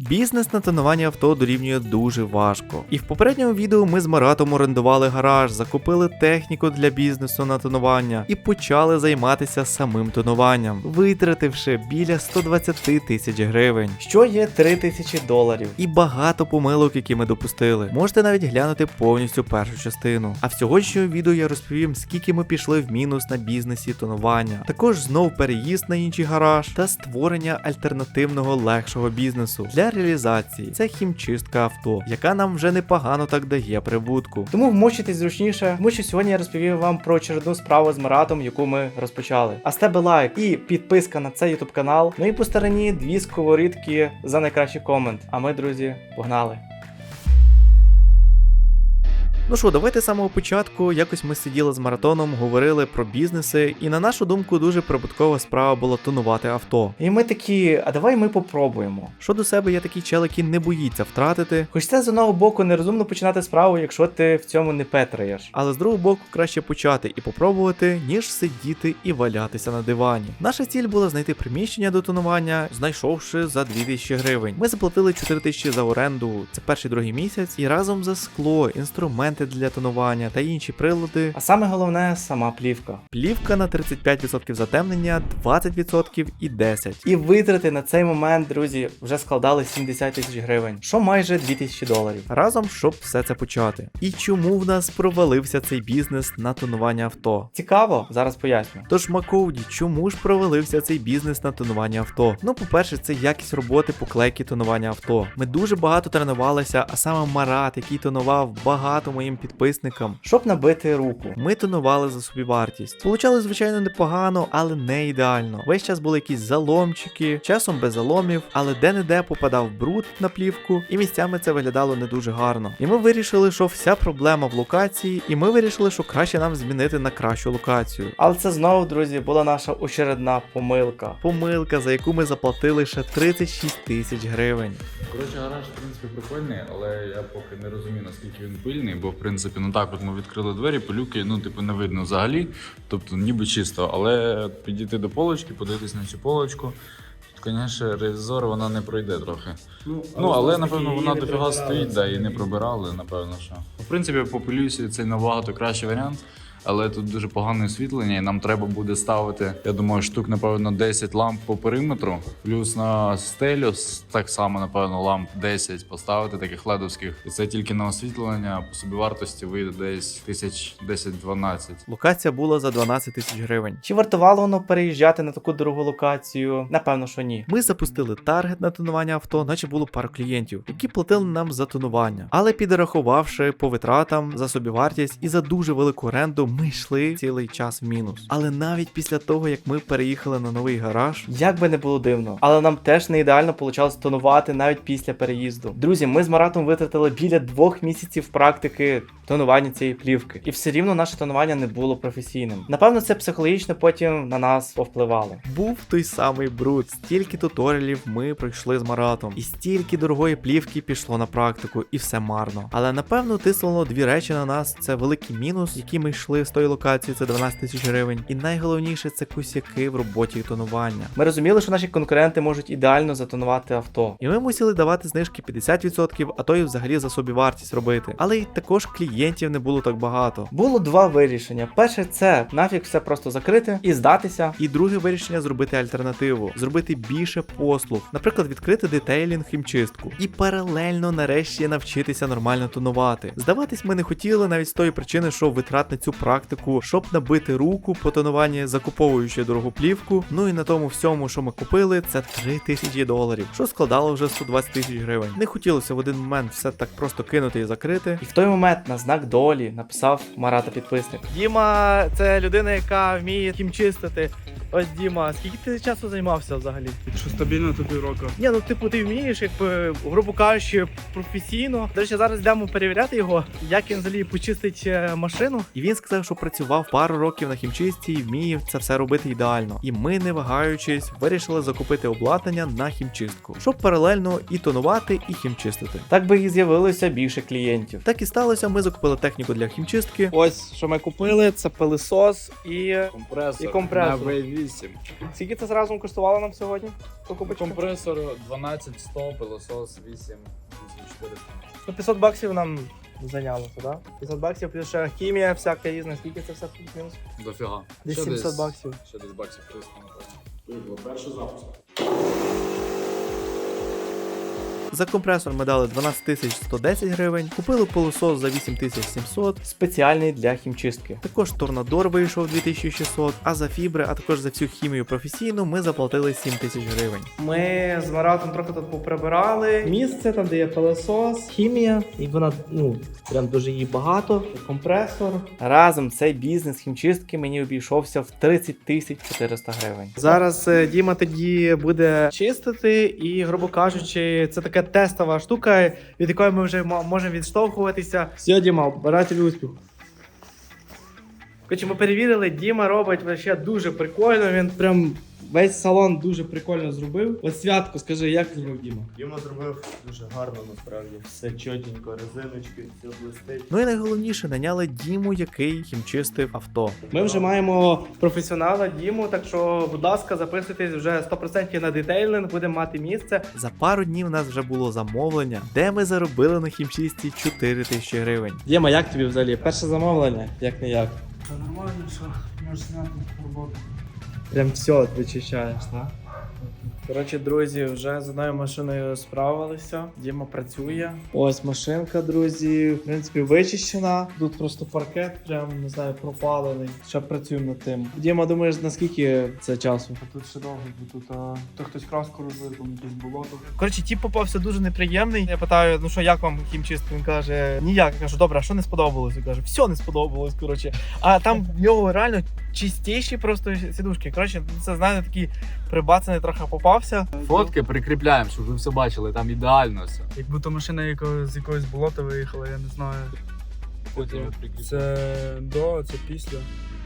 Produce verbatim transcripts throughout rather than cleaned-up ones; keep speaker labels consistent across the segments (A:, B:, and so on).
A: Бізнес на тонуванні авто дорівнює дуже важко. І в попередньому відео ми з Маратом орендували гараж, закупили техніку для бізнесу на тонування і почали займатися самим тонуванням, витративши біля сто двадцять тисяч гривень, що є три тисячі доларів. І багато помилок, які ми допустили. Можете навіть глянути повністю першу частину. А в сьогоднішньому відео я розповім, скільки ми пішли в мінус на бізнесі тонування. Також знов переїзд на інший гараж та створення альтернативного легшого бізнесу для реалізації. Це хімчистка авто, яка нам вже непогано так дає прибутку. Тому вмочитесь зручніше, тому що сьогодні я розповів вам про очередну справу з Маратом, яку ми розпочали. А з тебе лайк і підписка на цей ютуб канал. Ну і по стороні дві сковорідки за найкращий комент. А ми, друзі, погнали! Ну що, давайте з самого початку, якось ми сиділи з Маратоном, говорили про бізнеси, і на нашу думку дуже прибуткова справа була тонувати авто. І ми такі, а давай ми попробуємо. Що до себе є такий чел, який не боїться втратити. Хоч це з одного боку нерозумно починати справу, якщо ти в цьому не петраєш. Але з другого боку краще почати і попробувати, ніж сидіти і валятися на дивані. Наша ціль була знайти приміщення до тонування, знайшовши за дві тисячі гривень. Ми заплатили чотири тисячі за оренду, це перший другий місяць, і разом за скло, інструмент для тонування та інші прилади. А саме головне, сама плівка. Плівка на тридцять п'ять відсотків затемнення, двадцять відсотків і десять відсотків. І витрати на цей момент, друзі, вже складали сімдесят тисяч гривень, що майже дві тисячі доларів. Разом, щоб все це почати. І чому в нас провалився цей бізнес на тонування авто? Цікаво? Зараз поясню. Тож, Макоуді, чому ж провалився цей бізнес на тонування авто? Ну, по-перше, це якість роботи поклейки тонування авто. Ми дуже багато тренувалися, а саме Марат, який тонував багато моїм підписникам, щоб набити руку. Ми тонували за собівартість. Получалось, звичайно, непогано, але не ідеально. Весь час були якісь заломчики, часом без заломів, але де-не-де попадав бруд на плівку, і місцями це виглядало не дуже гарно. І ми вирішили, що вся проблема в локації, і ми вирішили, що краще нам змінити на кращу локацію. Але це знову, друзі, була наша очередна помилка. Помилка, за яку ми заплатили ще тридцять шість тисяч гривень.
B: Коротше, гараж, в принципі, прикольний, але я поки не розумію, наскільки він пильний, бо, в принципі, ну так, от ми відкрили двері, пилюки, ну, типу, не видно взагалі, тобто ніби чисто, але підійти до полочки, подивитись на цю полочку, тут, звісно, ревізор вона не пройде трохи. Ну, але, ну, але напевно, вона дофіга стоїть, да, і не пробирали, напевно, що. В принципі, по пилюсі це набагато кращий варіант. Але тут дуже погане освітлення, і нам треба буде ставити, я думаю, штук, напевно, десять ламп по периметру, плюс на стелю так само, напевно, ламп десять поставити, таких ледовських. І це тільки на освітлення, по собівартості вийде десь тисяч десять-дванадцять.
A: Локація була за дванадцять тисяч гривень. Чи вартувало воно переїжджати на таку дорогу локацію? Напевно, що ні. Ми запустили таргет на тонування авто, наче було пару клієнтів, які платили нам за тонування. Але підрахувавши по витратам за собівартість і за дуже велику оренду, ми йшли цілий час в мінус. Але навіть після того, як ми переїхали на новий гараж, як би не було дивно, але нам теж не ідеально вийшло тонувати навіть після переїзду. Друзі, ми з Маратом витратили біля двох місяців практики тонування цієї плівки. І все рівно наше тонування не було професійним. Напевно, це психологічно потім на нас повпливало. Був той самий бруд. Стільки туторіалів ми пройшли з Маратом. І стільки дорогої плівки пішло на практику, і все марно. Але напевно тиснуло дві речі на нас. Це великий мінус, який ми йшли з тої локації, це дванадцять тисяч гривень. І найголовніше, це косяки в роботі тонування. Ми розуміли, що наші конкуренти можуть ідеально затонувати авто. І ми мусили давати знижки п'ятдесят відсотків, а то і взагалі за собівартість робити. Але й також клієнтів не було так багато. Було два вирішення. Перше, це нафіг все просто закрити і здатися. І друге вирішення — зробити альтернативу. Зробити більше послуг. Наприклад, відкрити детейлінг, хімчистку. І паралельно нарешті навчитися нормально тонувати. Здаватись ми не хотіли навіть з тої причини, що витрат на цю практику, щоб набити руку по тонуванні, закуповуючи дорогу плівку. Ну і на тому всьому, що ми купили, це три тисячі доларів, що складало вже сто двадцять тисяч гривень. Не хотілося в один момент все так просто кинути і закрити. І в той момент на знак долі написав Марата підписник. Діма — це людина, яка вміє хімчистити. Ось, Діма, скільки ти часу займався взагалі?
C: Що стабільно то півроку.
A: Ні, ну типу ти вмієш, якби, грубо кажучи, професійно. До речі, зараз йдемо перевіряти його, як він взагалі почистить машину. І він сказав, Дімка, що працював пару років на хімчистці і вміє це все робити ідеально. І ми, не вагаючись, вирішили закупити обладнання на хімчистку, щоб паралельно і тонувати, і хімчистити. Так би і з'явилося більше клієнтів. Так і сталося, ми закупили техніку для хімчистки. Ось, що ми купили, це пилисос і
B: Компресор,
A: І компресор.
B: на ві вісім.
A: скільки це зразу коштувало нам сьогодні?
B: Компресор дванадцять сто, пилосос вісім, вісім чотириста.
A: Ну, п'ятсот баксів нам зайнялося, так? Да? п'ятсот баксів, плюс ще хімія, всяка різна. Скільки це все плюс-мінус?
B: Дофіга.
A: Десь
B: Ще
A: сімсот баксів.
B: Ще десь баксів триста, напевно. Перший запуск.
A: За компресор ми дали дванадцять тисяч сто десять гривень, купили пилосос за вісім тисяч сімсот, спеціальний для хімчистки. Також торнадор вийшов дві тисячі шістсот, а за фібри, а також за всю хімію професійну ми заплатили сім тисяч гривень. Ми з Маратом трохи тут поприбирали місце, там де є пилосос, хімія, і вона, ну, прям дуже її багато, компресор. Разом цей бізнес хімчистки мені обійшовся в тридцять тисяч чотириста гривень. Зараз е, Діма тоді буде чистити і, грубо кажучи, це така тестова штука, від якої ми вже мо- можемо відштовхуватися. Все, Діма, бажаю тобі успіху. Коротше, ми перевірили, Діма робить вообще дуже прикольно, він прям весь салон дуже прикольно зробив. От Святко, скажи, як зробив Діма?
C: Діма зробив дуже гарно, насправді. Все чотенько, резиночки, все блистить.
A: Ну і найголовніше, наняли Діму, який хімчистив авто. Ми вже маємо професіонала Діму, так що, будь ласка, записуйтесь вже сто відсотків на детейлинг, будемо мати місце. За пару днів у нас вже було замовлення, де ми заробили на хімчистці чотири тисячі гривень. Діма, як тобі взагалі? Перше замовлення? Як не як?
C: Та нормально, що можеш зняти роботу.
A: Прям все вичищаєш, так? Коротше, друзі, вже з одною машиною справилися. Діма працює. Ось машинка, друзі, в принципі, вичищена. Тут просто паркет, прям не знаю, пропалений. Ще працюємо над тим. Діма, думаєш, наскільки це часу?
C: А тут ще довго, бо тут а, то хтось краску розлив, там якесь болото.
A: Коротше, тіп попався дуже неприємний. Я питаю, ну що, як вам хімчистка? Він каже, ніяк. Я кажу, добре, а що не сподобалось? Він каже, все не сподобалось, коротше. А там в нього реально чистіші просто сідушки. Коротше, це, знаєте, такий прибацаний трохи попався.
B: Фотки прикріпляємо, щоб ви все бачили, там ідеально все.
C: Якби то машина яко, з якогось болота виїхала, я не знаю.
B: Потім ми прикріпляємо.
C: Це до, це після.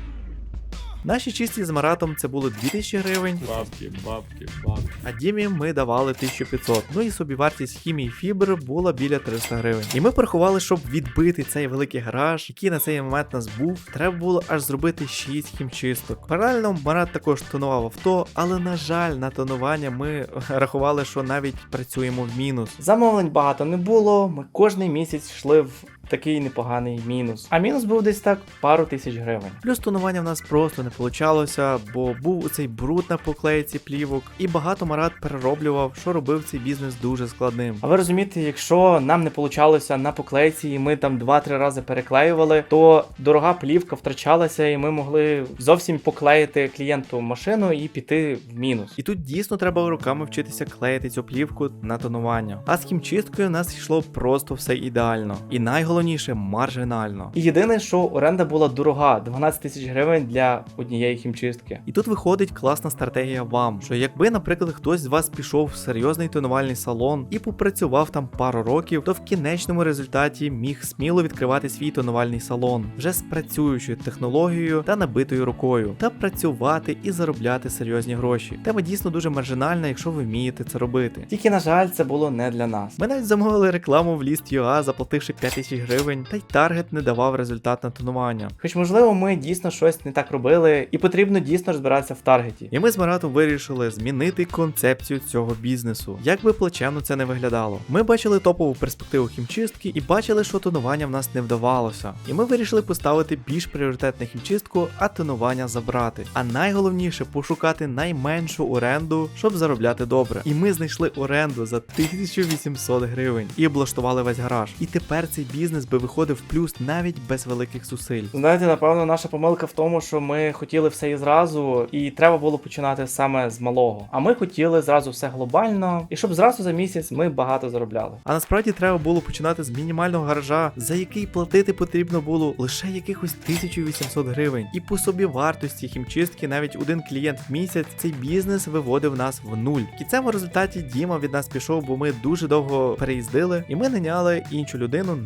A: Наші чисті з Маратом це було дві тисячі гривень,
B: Бабки, бабки, бабки.
A: а Дімі ми давали тисячу п'ятсот. Ну і собівартість хімії фібр була біля триста гривень. І ми порахували, щоб відбити цей великий гараж, який на цей момент нас був, треба було аж зробити шість хімчисток. Паралельно Марат також тонував авто, але на жаль, на тонування ми рахували, що навіть працюємо в мінус. Замовлень багато не було, ми кожний місяць йшли в такий непоганий мінус. А мінус був десь так пару тисяч гривень. Плюс тонування в нас просто не получалося, бо був оцей бруд на поклейці плівок, і багато Марат перероблював, що робив цей бізнес дуже складним. А ви розумієте, якщо нам не получалося на поклейці, і ми там два-три рази переклеювали, то дорога плівка втрачалася, і ми могли зовсім поклеїти клієнту машину і піти в мінус. І тут дійсно треба руками вчитися клеїти цю плівку на тонування. А з хімчисткою у нас йшло просто все ідеально. І найголовніше маржинально. І єдине, що оренда була дорога, дванадцять тисяч гривень для однієї хімчистки. І тут виходить класна стратегія вам, що якби, наприклад, хтось з вас пішов в серйозний тонувальний салон і попрацював там пару років, то в кінечному результаті міг сміло відкривати свій тонувальний салон вже з працюючою технологією та набитою рукою, та працювати і заробляти серйозні гроші. Тема дійсно дуже маржинальна, якщо ви вмієте це робити. Тільки, на жаль, це було не для нас. Ми навіть замовили рекламу в List.ua, заплативши п'ять тисяч гривень, та й таргет не давав результат на тонування. Хоч, можливо, ми дійсно щось не так робили, і потрібно дійсно розбиратися в таргеті. І ми з Маратом вирішили змінити концепцію цього бізнесу. Як би плачевно це не виглядало. Ми бачили топову перспективу хімчистки і бачили, що тонування в нас не вдавалося. І ми вирішили поставити більш пріоритетну хімчистку, а тонування забрати. А найголовніше пошукати найменшу оренду, щоб заробляти добре. І ми знайшли оренду за тисячу вісімсот гривень і облаштували весь гараж. І тепер цей бізнес би виходив в плюс навіть без великих зусиль. Знаєте, напевно, наша помилка в тому, що ми хотіли все і зразу, і треба було починати саме з малого. А ми хотіли зразу все глобально, і щоб зразу за місяць ми багато заробляли. А насправді треба було починати з мінімального гаража, за який платити потрібно було лише якихось тисячу вісімсот гривень. І по собі вартості хімчистки навіть один клієнт в місяць цей бізнес виводив нас в нуль. В кінцевому результаті Діма від нас пішов, бо ми дуже довго переїздили, і ми наняли іншу людину на зараді.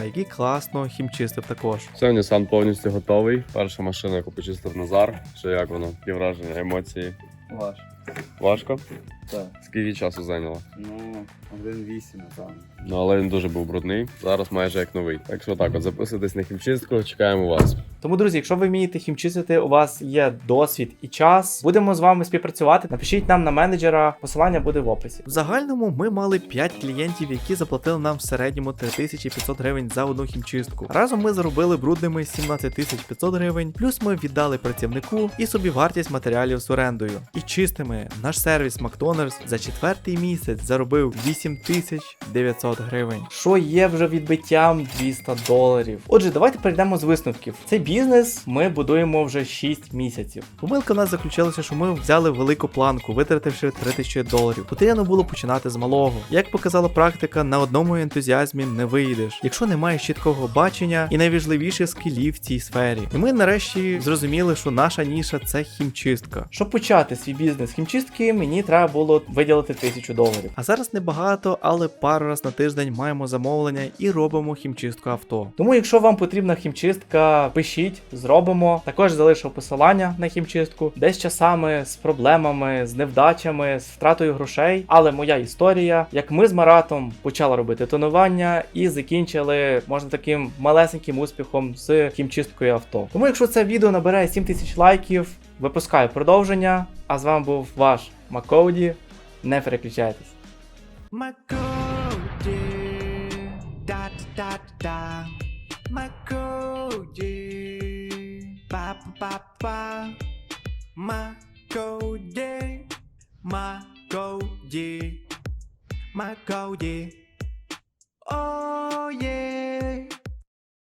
A: Назара, який класно хімчистив також.
D: Все, Nissan повністю готовий. Перша машина, яку почистив Назар. Що як воно? Які враження, емоції?
C: Ваш.
D: Важко?
C: Так.
D: Скільки часу зайняло?
C: Ну, один вісім, напевно.
D: Ну, але він дуже був брудний. Зараз майже як новий. Так що так, от записуйтесь на хімчистку, чекаємо вас.
A: Тому, друзі, якщо ви вмієте хімчистити, у вас є досвід і час, будемо з вами співпрацювати. Напишіть нам на менеджера, посилання буде в описі. В загальному ми мали п'ять клієнтів, які заплатили нам в середньому три тисячі п'ятсот гривень за одну хімчистку. Разом ми заробили брудними сімнадцять тисяч п'ятсот гривень, плюс ми віддали працівнику і собі вартість матеріалів з орендою. І чистими наш сервіс Макдональдс за четвертий місяць заробив вісім тисяч дев'ятсот гривень, що є вже відбиттям двісті доларів. Отже, давайте перейдемо з висновків. Цей бізнес ми будуємо вже шість місяців. Помилка в нас заключилася, що ми взяли велику планку, витративши три тисячі доларів. Потрібно було починати з малого. Як показала практика, на одному ентузіазмі не вийдеш, якщо не маєш чіткого бачення і найважливіших скілів в цій сфері. І ми нарешті зрозуміли, що наша ніша це хімчистка. Щоб почати свій бізнес хімчистки, мені треба було виділити тисячу доларів. А зараз небагато, але пару раз на тиждень маємо замовлення і робимо хімчистку авто. Тому, якщо вам потрібна хімчистка, пишіть, зробимо. Також залишу посилання на хімчистку, десь часами з проблемами, з невдачами, з втратою грошей. Але моя історія, як ми з Маратом почали робити тонування і закінчили, можна таким малесеньким успіхом з хімчисткою авто. Тому, якщо це відео набере сім тисяч лайків, випускаю продовження. А з вами був ваш Макоуді. Не переключайтесь. Макоуді, да-да-да-да. Макоуді, па-па-па-па. Макоуді, Макоуді, Макоуді. О, є.